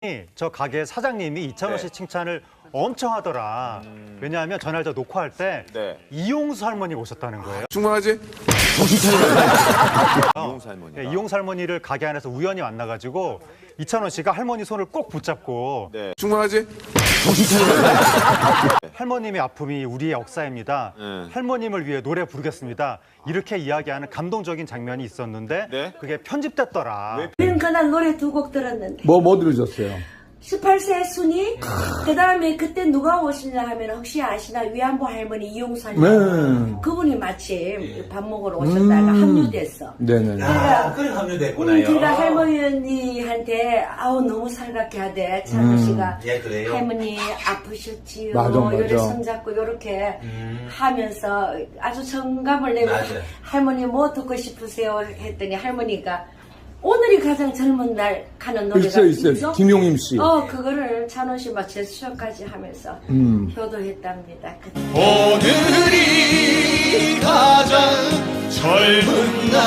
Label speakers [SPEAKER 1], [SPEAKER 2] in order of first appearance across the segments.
[SPEAKER 1] 저 가게 사장님이 이찬원 씨 칭찬을 엄청 하더라. 왜냐하면 전날 저 녹화할 때 이용수 할머니 오셨다는 거예요.
[SPEAKER 2] 충분하지? 이용수 할머니.
[SPEAKER 1] 이용수 할머니를 가게 안에서 우연히 만나가지고 이찬원 씨가 할머니 손을 꼭 붙잡고
[SPEAKER 2] 충분하지?
[SPEAKER 1] 할머님의 아픔이 우리의 역사입니다. 할머님을 위해 노래 부르겠습니다. 이렇게 이야기하는 감동적인 장면이 있었는데 그게 편집됐더라.
[SPEAKER 3] 우리는 그날 노래 두 곡 들었는데
[SPEAKER 4] 뭐 들으셨어요?
[SPEAKER 3] 18세 순이 그 다음에 그때 누가 오시냐 하면 혹시 아시나 위안부 할머니 이용수 할머니
[SPEAKER 4] 네.
[SPEAKER 3] 그분이 마침 밥 먹으러 오셨다가 합류됐어.
[SPEAKER 4] 네네.
[SPEAKER 5] 그래 합류됐구나요.
[SPEAKER 3] 제가 할머니한테 아우 너무 살갑게 하대 찬우 씨가
[SPEAKER 5] 예, 그래요?
[SPEAKER 3] 할머니 아프셨지요.
[SPEAKER 4] 맞아.
[SPEAKER 3] 요래 손잡고 요렇게 하면서 아주 정감을 내고
[SPEAKER 5] 맞아.
[SPEAKER 3] 할머니 뭐 듣고 싶으세요 했더니 할머니가 오늘이 가장 젊은 날 가는 노래가
[SPEAKER 4] 있어요. 김용임 씨.
[SPEAKER 3] 그거를 찬원 씨 막 제스처까지 하면서 효도했답니다.
[SPEAKER 6] 오늘이 가장 젊은 날.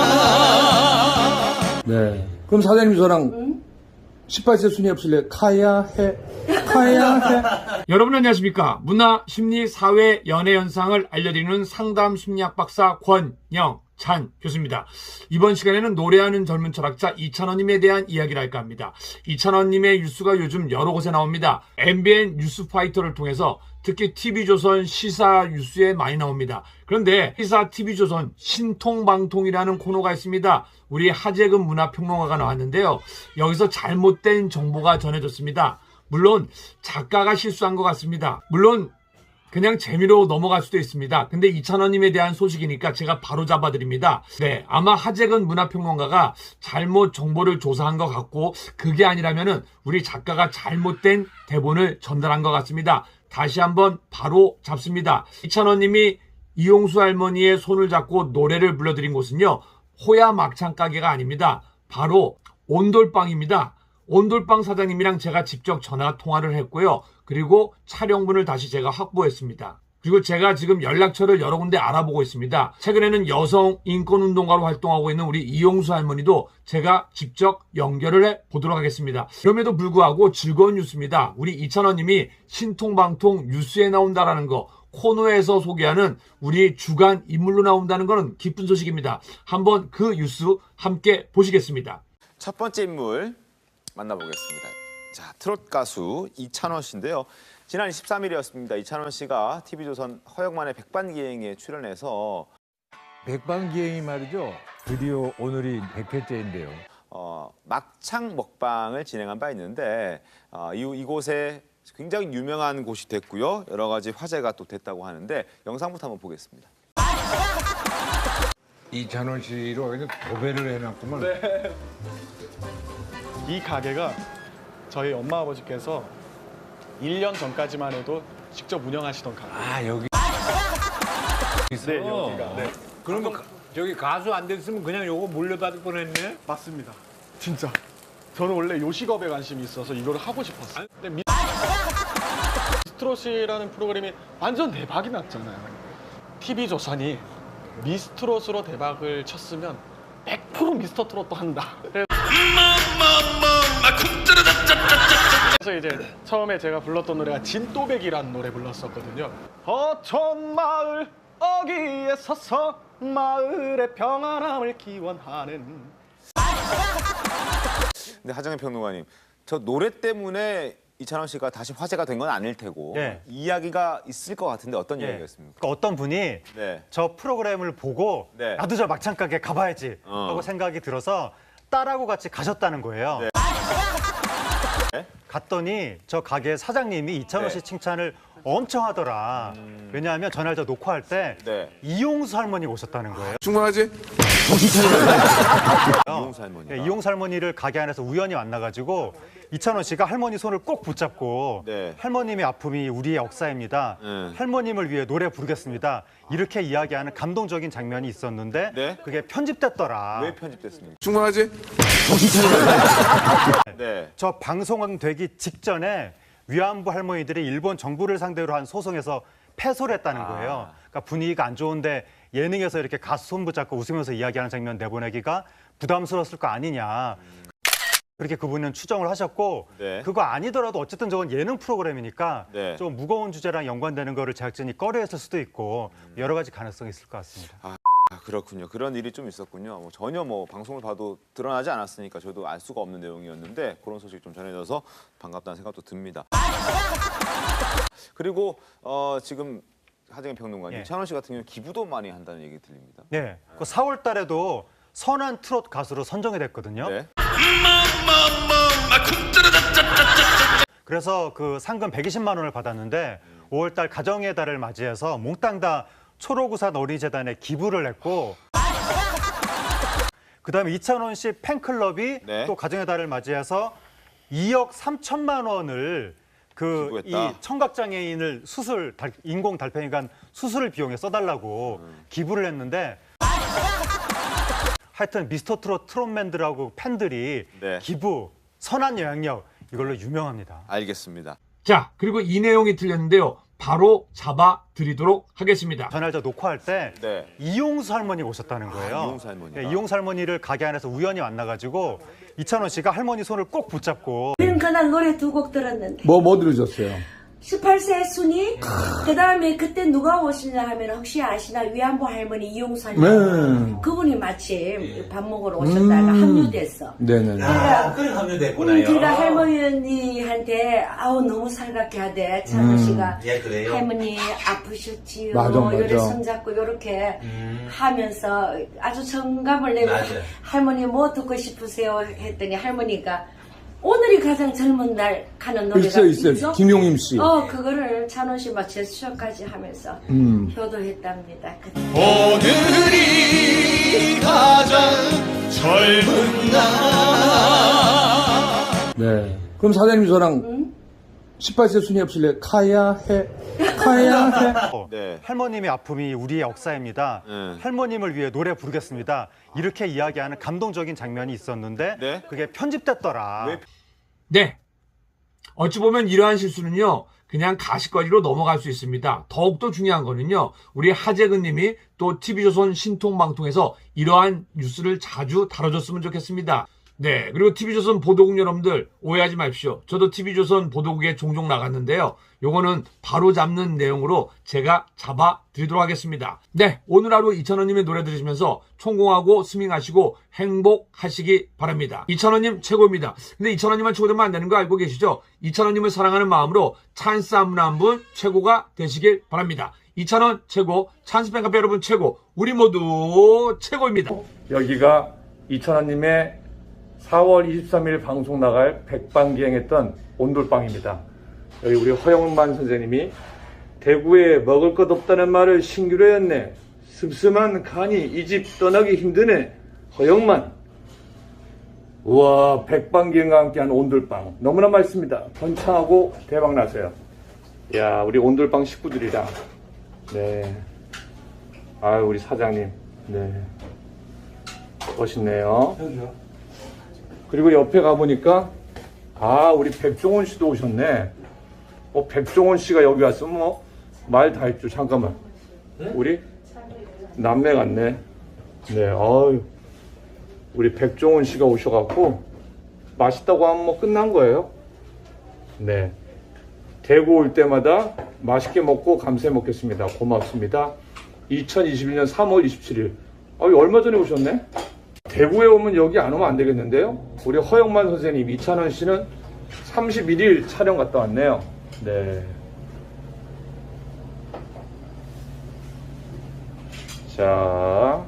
[SPEAKER 4] 네. 그럼 사장님 저랑 18세 순위 없을래? 가야 해.
[SPEAKER 7] 여러분 안녕하십니까. 문화, 심리, 사회, 연애 현상을 알려드리는 상담 심리학 박사 권영찬 교수입니다. 이번 시간에는 노래하는 젊은 철학자 이찬원님에 대한 이야기를 할까 합니다. 이찬원님의 뉴스가 요즘 여러 곳에 나옵니다. MBN 뉴스파이터를 통해서 특히 TV조선 시사 뉴스에 많이 나옵니다. 그런데 시사 TV조선 신통방통이라는 코너가 있습니다. 우리 하재근 문화평론가가 나왔는데요. 여기서 잘못된 정보가 전해졌습니다. 물론 작가가 실수한 것 같습니다. 물론 그냥 재미로 넘어갈 수도 있습니다. 근데 이찬원님에 대한 소식이니까 제가 바로 잡아드립니다. 네, 아마 하재근 문화평론가가 잘못 정보를 조사한 것 같고 그게 아니라면은 우리 작가가 잘못된 대본을 전달한 것 같습니다. 다시 한번 바로 잡습니다. 이찬원님이 이용수 할머니의 손을 잡고 노래를 불러드린 곳은요. 호야 막창 가게가 아닙니다. 바로 온돌빵입니다. 온돌빵 사장님이랑 제가 직접 전화 통화를 했고요. 그리고 촬영분을 다시 제가 확보했습니다. 그리고 제가 지금 연락처를 여러 군데 알아보고 있습니다. 최근에는 여성 인권운동가로 활동하고 있는 우리 이용수 할머니도 제가 직접 연결을 해보도록 하겠습니다. 그럼에도 불구하고 즐거운 뉴스입니다. 우리 이찬원님이 신통방통 뉴스에 나온다라는 거, 코너에서 소개하는 우리 주간 인물로 나온다는 것은 기쁜 소식입니다. 한번 그 뉴스 함께 보시겠습니다.
[SPEAKER 2] 첫 번째 인물 만나보겠습니다. 자, 트롯 가수 이찬원 씨인데요. 지난 23일이었습니다. 이찬원 씨가 TV조선 허영만의 백반기행에 출연해서
[SPEAKER 8] 백반기행이 말이죠. 드디어 오늘이 100회째인데요.
[SPEAKER 2] 막창 먹방을 진행한 바 있는데 이곳에 굉장히 유명한 곳이 됐고요. 여러 가지 화제가 또 됐다고 하는데 영상부터 한번 보겠습니다.
[SPEAKER 8] 이찬원 씨로 그냥 도배를 해놨구만.
[SPEAKER 9] 이 가게가 저희 엄마 아버지께서 1년 전까지만 해도 직접 운영하시던 가게.
[SPEAKER 8] 아 여기 있어.
[SPEAKER 9] 네, 여기가. 네.
[SPEAKER 8] 그러면 저기 가수 안 됐으면 그냥 요거 물려받을 뻔했네.
[SPEAKER 9] 맞습니다. 진짜. 저는 원래 요식업에 관심이 있어서 이걸 하고 싶었어요. 근데 미스트롯이라는 프로그램이 완전 대박이 났잖아요. TV조선이 미스트롯으로 대박을 쳤으면 100% 미스터트롯도 한다. 그래서 이제 처음에 제가 불렀던 노래가 진또배기라는 노래 불렀었거든요. 어촌 마을 어귀에 서서 마을의 평안함을 기원하는.
[SPEAKER 2] 근데 하정현 평론가님, 저 노래 때문에 이찬원 씨가 다시 화제가 된 건 아닐 테고 이야기가 있을 것 같은데 어떤 이야기였습니까?
[SPEAKER 1] 그러니까 어떤 분이 저 프로그램을 보고 나도 저 막창 가게 가봐야지 하고 생각이 들어서 딸하고 같이 가셨다는 거예요. 갔더니 저 가게 사장님이 이찬원 씨 칭찬을 엄청 하더라. 왜냐하면 전날 저 녹화할 때 이용수 할머니가 오셨다는 거예요.
[SPEAKER 2] 충분하지? 이용수 할머니.
[SPEAKER 1] 이용수 할머니를 가게 안에서 우연히 만나가지고 이찬원 씨가 할머니 손을 꼭 붙잡고 할머님의 아픔이 우리의 역사입니다. 할머님을 위해 노래 부르겠습니다. 이렇게 이야기하는 감동적인 장면이 있었는데 그게 편집됐더라.
[SPEAKER 2] 왜 편집됐습니까? 충분하지?
[SPEAKER 1] 저 방송되기 직전에 위안부 할머니들이 일본 정부를 상대로 한 소송에서 패소를 했다는 거예요. 그러니까 분위기가 안 좋은데 예능에서 이렇게 가수 손 붙잡고 웃으면서 이야기하는 장면 내보내기가 부담스러웠을 거 아니냐. 그렇게 그분은 추정을 하셨고
[SPEAKER 2] 네.
[SPEAKER 1] 그거 아니더라도 어쨌든 저건 예능 프로그램이니까
[SPEAKER 2] 네.
[SPEAKER 1] 좀 무거운 주제랑 연관되는 거를 제작진이 꺼려했을 수도 있고 여러 가지 가능성이 있을 것 같습니다.
[SPEAKER 2] 아, 그렇군요. 그런 일이 좀 있었군요. 전혀 방송을 봐도 드러나지 않았으니까 저도 알 수가 없는 내용이었는데 그런 소식 좀 전해져서 반갑다는 생각도 듭니다. 그리고 지금 하정인 평론가님,
[SPEAKER 1] 예.
[SPEAKER 2] 이찬원 씨 같은 경우는 기부도 많이 한다는 얘기 들립니다.
[SPEAKER 1] 네, 그 4월 달에도 선한 트롯 가수로 선정이 됐거든요.
[SPEAKER 2] 네.
[SPEAKER 1] 그래서 그 상금 120만 원을 받았는데 5월 달 가정의 달을 맞이해서 몽땅 다 초록우산 어린이재단에 기부를 했고 그다음에 이찬원 씨 팬클럽이
[SPEAKER 2] 네.
[SPEAKER 1] 또 가정의 달을 맞이해서 2억 3천만 원을 그 이
[SPEAKER 2] 기부했다.
[SPEAKER 1] 청각장애인을 인공 달팽이관 수술 비용에 써달라고 기부를 했는데 하여튼 미스터 트롯 트롯맨들하고 팬들이
[SPEAKER 2] 네.
[SPEAKER 1] 기부, 선한 영향력 이걸로 유명합니다.
[SPEAKER 2] 알겠습니다.
[SPEAKER 7] 자, 그리고 이 내용이 틀렸는데요. 바로 잡아드리도록 하겠습니다.
[SPEAKER 1] 전날 저 녹화할 때
[SPEAKER 2] 네.
[SPEAKER 1] 이용수 할머니 오셨다는 거예요.
[SPEAKER 2] 이용수 할머니가.
[SPEAKER 1] 네, 이용수 할머니를 가게 안에서 우연히 만나가지고 이찬원 씨가 할머니 손을 꼭 붙잡고
[SPEAKER 3] 우리는 그날 노래 두 곡 들었는데
[SPEAKER 4] 뭐 들으셨어요?
[SPEAKER 3] 18세 순이 그 다음에 그때 누가 오시냐 하면 혹시 아시나 위안부 할머니 이용수 할머니
[SPEAKER 4] 네.
[SPEAKER 3] 그분이 마침 밥 먹으러 오셨다가 합류됐어.
[SPEAKER 4] 네네네.
[SPEAKER 6] 그래 합류됐구나요.
[SPEAKER 3] 제가 할머니한테 아우 너무 살갑게 하대 찬원 씨가
[SPEAKER 6] 예, 그래요?
[SPEAKER 3] 할머니 아프셨지요.
[SPEAKER 4] 맞아.
[SPEAKER 3] 요래 손잡고 요렇게 하면서 아주 정감을 내고
[SPEAKER 6] 맞아.
[SPEAKER 3] 할머니 뭐 듣고 싶으세요 했더니 할머니가 오늘이 가장 젊은 날 가는 노래가
[SPEAKER 4] 있어요. 김용임 씨.
[SPEAKER 3] 그거를 찬원 씨 막 제스처까지 하면서 효도했답니다.
[SPEAKER 6] 오늘이 가장 젊은 날.
[SPEAKER 4] 네. 그럼 사장님 저랑 18세 순위 없을래? 카야 해.
[SPEAKER 2] 네.
[SPEAKER 1] 할머님의 아픔이 우리의 역사입니다.
[SPEAKER 2] 네.
[SPEAKER 1] 할머님을 위해 노래 부르겠습니다. 이렇게 이야기하는 감동적인 장면이 있었는데
[SPEAKER 2] 네.
[SPEAKER 1] 그게 편집됐더라.
[SPEAKER 2] 왜?
[SPEAKER 7] 네. 어찌 보면 이러한 실수는요, 그냥 가시거리로 넘어갈 수 있습니다. 더욱더 중요한 거는요, 우리 하재근 님이 또 TV조선 신통방통에서 이러한 뉴스를 자주 다뤄줬으면 좋겠습니다. 네. 그리고 TV조선 보도국 여러분들 오해하지 마십시오. 저도 TV조선 보도국에 종종 나갔는데요. 요거는 바로 잡는 내용으로 제가 잡아드리도록 하겠습니다. 네. 오늘 하루 이찬원님의 노래 들으시면서 총공하고 스밍하시고 행복하시기 바랍니다. 이찬원님 최고입니다. 근데 이찬원님만 최고 되면 안 되는 거 알고 계시죠? 이찬원님을 사랑하는 마음으로 찬스 한 분 한 분 최고가 되시길 바랍니다. 이찬원 최고, 찬스 팬카페 여러분 최고, 우리 모두 최고입니다. 여기가 이찬원님의 4월 23일 방송 나갈 백반기행했던 온돌방입니다. 여기 우리 허영만 선생님이 대구에 먹을 것 없다는 말을 신기로 했네. 습습한 간이 이 집 떠나기 힘드네. 허영만. 우와, 백반기행과 함께한 온돌방 너무나 맛있습니다. 번창하고 대박나세요. 야, 우리 온돌방 식구들이랑 네. 아유, 우리 사장님. 네. 멋있네요. 그리고 옆에 가보니까, 우리 백종원 씨도 오셨네. 백종원 씨가 여기 왔으면 말 다 했죠. 잠깐만. 우리 남매 같네. 네, 우리 백종원 씨가 오셔갖고, 맛있다고 하면 끝난 거예요. 네. 대구 올 때마다 맛있게 먹고 감사해 먹겠습니다. 고맙습니다. 2021년 3월 27일. 얼마 전에 오셨네? 대구에 오면 여기 안 오면 안 되겠는데요? 우리 허영만 선생님, 이찬원 씨는 31일 촬영 갔다 왔네요. 네. 자.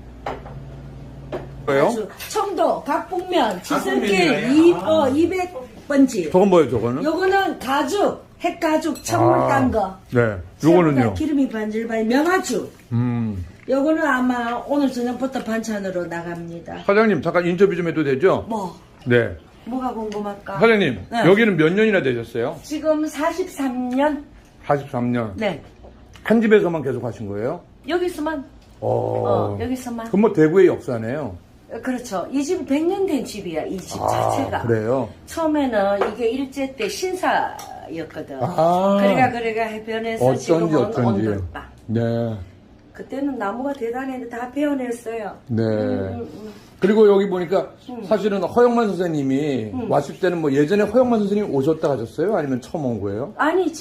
[SPEAKER 7] 뭐예요?
[SPEAKER 3] 청도, 각북면, 지슬길 200번지.
[SPEAKER 4] 저건 뭐예요, 저거는?
[SPEAKER 3] 요거는 가죽, 핵가죽, 천물 딴 거.
[SPEAKER 4] 네.
[SPEAKER 3] 요거는요? 기름이 반질반질, 명아죽. 요거는 아마 오늘 저녁부터 반찬으로 나갑니다.
[SPEAKER 4] 사장님, 잠깐 인터뷰 좀 해도 되죠?
[SPEAKER 3] 뭐?
[SPEAKER 4] 네.
[SPEAKER 3] 뭐가 궁금할까?
[SPEAKER 4] 사장님,
[SPEAKER 3] 네.
[SPEAKER 4] 여기는 몇 년이나 되셨어요?
[SPEAKER 3] 지금 43년?
[SPEAKER 4] 43년.
[SPEAKER 3] 네.
[SPEAKER 4] 한 집에서만 계속 하신 거예요?
[SPEAKER 3] 여기서만? 여기서만.
[SPEAKER 4] 그럼 뭐 대구의 역사네요.
[SPEAKER 3] 그렇죠. 이 집 100년 된 집이야, 이 집 자체가.
[SPEAKER 4] 그래요?
[SPEAKER 3] 처음에는 이게 일제 때 신사였거든.
[SPEAKER 4] 아.
[SPEAKER 3] 그래가 해변에서 지금은 온돌방.
[SPEAKER 4] 네.
[SPEAKER 3] 그때는 나무가 대단했는데 다 베어냈어요.
[SPEAKER 4] 네. 그리고 여기 보니까 사실은 허영만 선생님이 왔을 때는 뭐 예전에 허영만 선생님이 오셨다 하셨어요? 아니면 처음 온 거예요?
[SPEAKER 3] 아니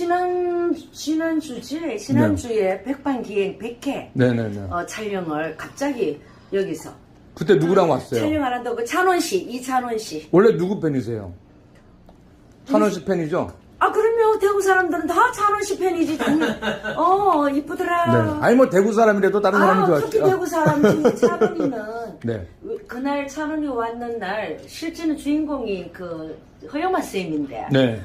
[SPEAKER 3] 지난주에 백반기행 100회
[SPEAKER 4] 네네네.
[SPEAKER 3] 촬영을 갑자기 여기서
[SPEAKER 4] 그때 누구랑 왔어요?
[SPEAKER 3] 촬영 안 한다고 이찬원 씨.
[SPEAKER 4] 원래 누구 팬이세요? 찬원 씨 팬이죠?
[SPEAKER 3] 아 그러면 대구 사람들은 다 찬원 씨 팬이지 당연히. 이쁘더라.
[SPEAKER 4] 네. 아니 뭐 대구 사람이라도 다른 사람이
[SPEAKER 3] 특히
[SPEAKER 4] 좋아하죠.
[SPEAKER 3] 대구 사람들이 찬원이는
[SPEAKER 4] 네.
[SPEAKER 3] 그날 찬원이 왔는 날 실제는 주인공이 그 허영만 쌤인데
[SPEAKER 4] 네.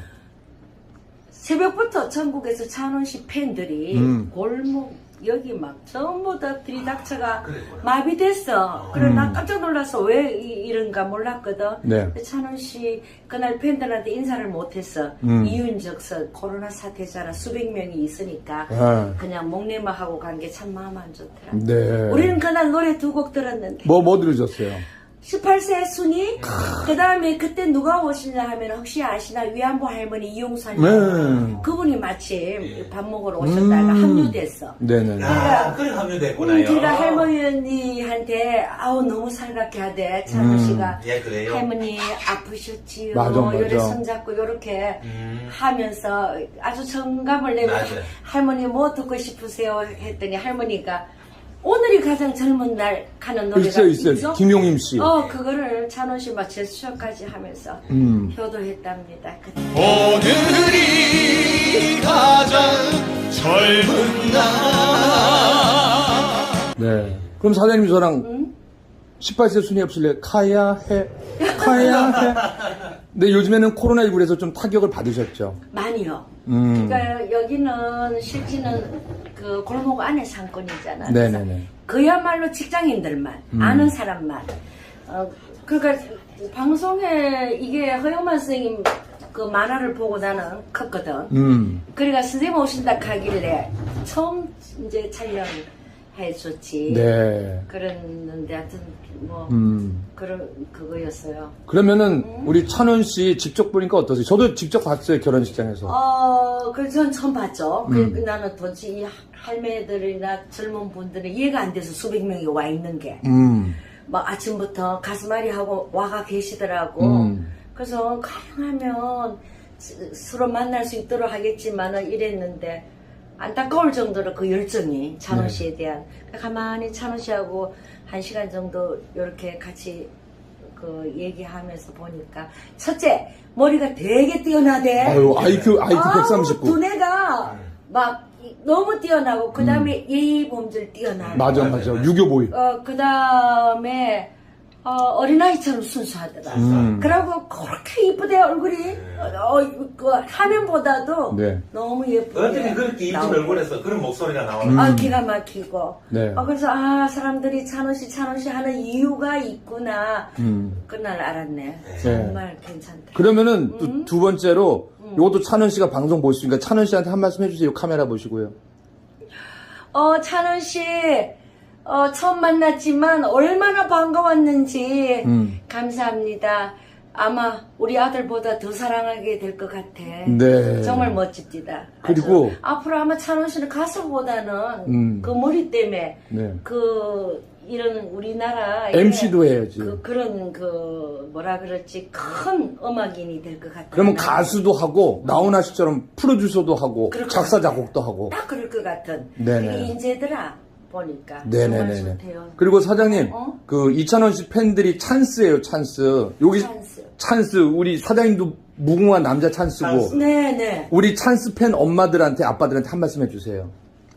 [SPEAKER 3] 새벽부터 전국에서 찬원 씨 팬들이 골목 여기 막 전부 다 들이닥쳐가 마비됐어. 그래 나 깜짝 놀라서 왜 이런가 몰랐거든.
[SPEAKER 4] 네.
[SPEAKER 3] 찬원 씨 그날 팬들한테 인사를 못했어. 이유는 적서 코로나 사태잖아. 수백 명이 있으니까 그냥 목내마하고 간 게 참 마음 안 좋더라.
[SPEAKER 4] 네.
[SPEAKER 3] 우리는 그날 노래 2곡 들었는데
[SPEAKER 4] 뭐 들으셨어요?
[SPEAKER 3] 18세 순이 그 다음에 그때 누가 오시냐 하면 혹시 아시나 위안부 할머니 이용사님
[SPEAKER 4] 네.
[SPEAKER 3] 그분이 마침 밥 먹으러 오셨다가 합류됐어.
[SPEAKER 4] 네네네.
[SPEAKER 6] 그래 합류됐구나요.
[SPEAKER 3] 제가 할머니한테 너무 살갑게 하대 찬우 씨가
[SPEAKER 6] 예, 그래요?
[SPEAKER 3] 할머니 아프셨지요.
[SPEAKER 4] 맞아.
[SPEAKER 3] 요래 손잡고 요렇게 하면서 아주 정감을 내고
[SPEAKER 6] 맞아.
[SPEAKER 3] 할머니 뭐 듣고 싶으세요 했더니 할머니가 오늘이 가장 젊은 날 가는 노래가
[SPEAKER 4] 있어요. 김용임 씨.
[SPEAKER 3] 그거를 찬원 씨 막 제스처까지 하면서 효도했답니다.
[SPEAKER 6] 오늘이 가장 젊은 날.
[SPEAKER 4] 네. 그럼 사장님 저랑 18세 순위 없을래? 가야 해. 근데 요즘에는 코로나19에서 좀 타격을 받으셨죠?
[SPEAKER 3] 많이요. 그러니까 여기는 실제는 그 골목 안에 상권이잖아.
[SPEAKER 4] 네네네.
[SPEAKER 3] 그야말로 직장인들만 아는 사람만. 그러니까 방송에 이게 허영만 선생님 그 만화를 보고 나는 컸거든. 그러니까 선생님 오신다 하길래 처음 이제 촬영해줬지.
[SPEAKER 4] 네.
[SPEAKER 3] 그랬는데 하여튼 뭐 그거였어요.
[SPEAKER 4] 그러면은 우리 찬원 씨 직접 보니까 어떠세요? 저도 직접 봤어요, 결혼식장에서.
[SPEAKER 3] 그래서 전 처음 봤죠. 나는 도대체 이 할매들이나 젊은 분들은 이해가 안 돼서 수백 명이 와 있는 게. 막 아침부터 가슴앓이 하고 와가 계시더라고. 그래서 가능하면 서로 만날 수 있도록 하겠지만은 이랬는데 안타까울 정도로 그 열정이 찬원 씨에 대한. 가만히 찬원 씨하고 1시간 정도 이렇게 같이 그 얘기하면서 보니까 첫째 머리가 되게 뛰어나대.
[SPEAKER 4] 아유, IQ 139.
[SPEAKER 3] 두뇌가 막 너무 뛰어나고 그 다음에 예의 범절 뛰어나고.
[SPEAKER 4] 맞아. 유교보이.
[SPEAKER 3] 그 다음에 어린아이처럼 순수하더라. 그러고 그렇게 이쁘대 얼굴이. 그 화면보다도
[SPEAKER 4] 네.
[SPEAKER 3] 너무 예쁘게.
[SPEAKER 6] 어떻게 그렇게 이쁜 얼굴에서 그런 목소리가 나오나?
[SPEAKER 3] 기가 막히고.
[SPEAKER 4] 네.
[SPEAKER 3] 그래서 사람들이 찬원 씨 하는 이유가 있구나. 그날 알았네. 정말 괜찮다.
[SPEAKER 4] 그러면은 또 두 번째로 요것도 찬원 씨가 방송 보시니까 찬원 씨한테 한 말씀 해주세요. 카메라 보시고요.
[SPEAKER 3] 찬원 씨 처음 만났지만 얼마나 반가웠는지 감사합니다. 아마 우리 아들보다 더 사랑하게 될 것 같아.
[SPEAKER 4] 네.
[SPEAKER 3] 정말 멋집니다.
[SPEAKER 4] 그리고
[SPEAKER 3] 앞으로 아마 찬원 씨는 가수보다는 그 머리 때문에
[SPEAKER 4] 네.
[SPEAKER 3] 이런 우리나라
[SPEAKER 4] MC도 해야지.
[SPEAKER 3] 그런 뭐라 그럴지 큰 음악인이 될 것 같아요.
[SPEAKER 4] 그러면 가수도 하고 나훈아 씨처럼 프로듀서도 하고 작사 작곡도 하고.
[SPEAKER 3] 딱 그럴 것 같은.
[SPEAKER 4] 네네.
[SPEAKER 3] 되게 인재더라 보니까.
[SPEAKER 4] 네네네.
[SPEAKER 3] 정말 좋대요.
[SPEAKER 4] 그리고 사장님, 그 이찬원 씨 팬들이 찬스예요, 찬스. 여기 찬스. 우리 사장님도 무궁한 남자 찬스고.
[SPEAKER 3] 네네.
[SPEAKER 4] 우리 찬스 팬 엄마들한테 아빠들한테 한 말씀 해주세요.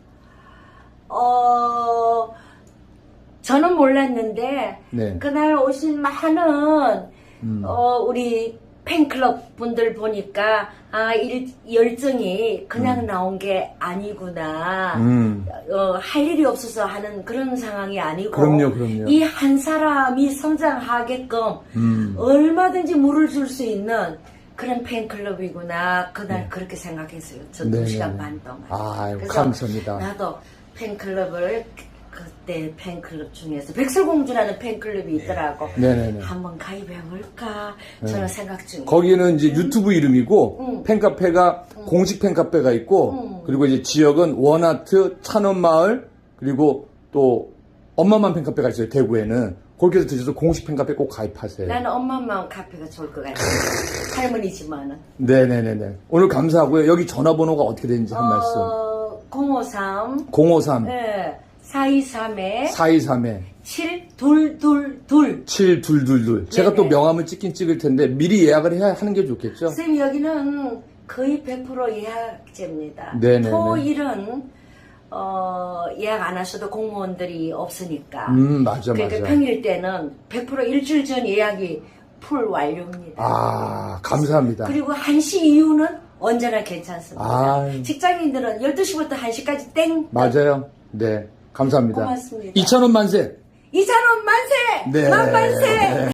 [SPEAKER 3] 저는 몰랐는데
[SPEAKER 4] 네.
[SPEAKER 3] 그날 오신 많은 우리 팬클럽 분들 보니까 열정이 그냥 나온 게 아니구나. 할 일이 없어서 하는 그런 상황이 아니고
[SPEAKER 4] 그럼요.
[SPEAKER 3] 이 한 사람이 성장하게끔 얼마든지 물을 줄 수 있는 그런 팬클럽이구나. 그날 그렇게 생각했어요. 저 2시간 반 동안. 그래서
[SPEAKER 4] 감사합니다.
[SPEAKER 3] 나도 팬클럽을 그때 팬클럽 중에서 백설공주라는 팬클럽이 있더라고.
[SPEAKER 4] 네네네.
[SPEAKER 3] 한번 가입해볼까 저는 생각 중이에요.
[SPEAKER 4] 거기는 이제 유튜브 이름이고 팬카페가 공식 팬카페가 있고 그리고 이제 지역은 원아트, 찬원마을, 그리고 또 엄마만 팬카페가 있어요, 대구에는. 그렇게 해서 드셔서 공식 팬카페 꼭 가입하세요.
[SPEAKER 3] 나는 엄마만 카페가 좋을 것 같아. 할머니지만은.
[SPEAKER 4] 네네네네. 오늘 감사하고요. 여기 전화번호가 어떻게 되는지 한 말씀.
[SPEAKER 3] 053.
[SPEAKER 4] 053
[SPEAKER 3] 네. 423에
[SPEAKER 4] 423에
[SPEAKER 3] 7222.
[SPEAKER 4] 7222. 제가 또
[SPEAKER 3] 네네.
[SPEAKER 4] 명함을 찍긴 찍을 텐데 미리 예약을 해야 하는 게 좋겠죠?
[SPEAKER 3] 쌤 여기는 거의 100% 예약제입니다.
[SPEAKER 4] 네네네.
[SPEAKER 3] 토일은 예약 안 하셔도 공무원들이 없으니까.
[SPEAKER 4] 맞아,
[SPEAKER 3] 그러니까
[SPEAKER 4] 맞아.
[SPEAKER 3] 평일 때는 100% 일주일 전 예약이 풀 완료입니다.
[SPEAKER 4] 아, 감사합니다.
[SPEAKER 3] 그리고 1시 이후는 언제나 괜찮습니다.
[SPEAKER 4] 아.
[SPEAKER 3] 직장인들은 12시부터 1시까지 땡.
[SPEAKER 4] 맞아요. 네. 감사합니다.
[SPEAKER 3] 고맙습니다.
[SPEAKER 4] 2,000원 만세!
[SPEAKER 3] 2,000원 만세!
[SPEAKER 4] 네.
[SPEAKER 3] 만만세!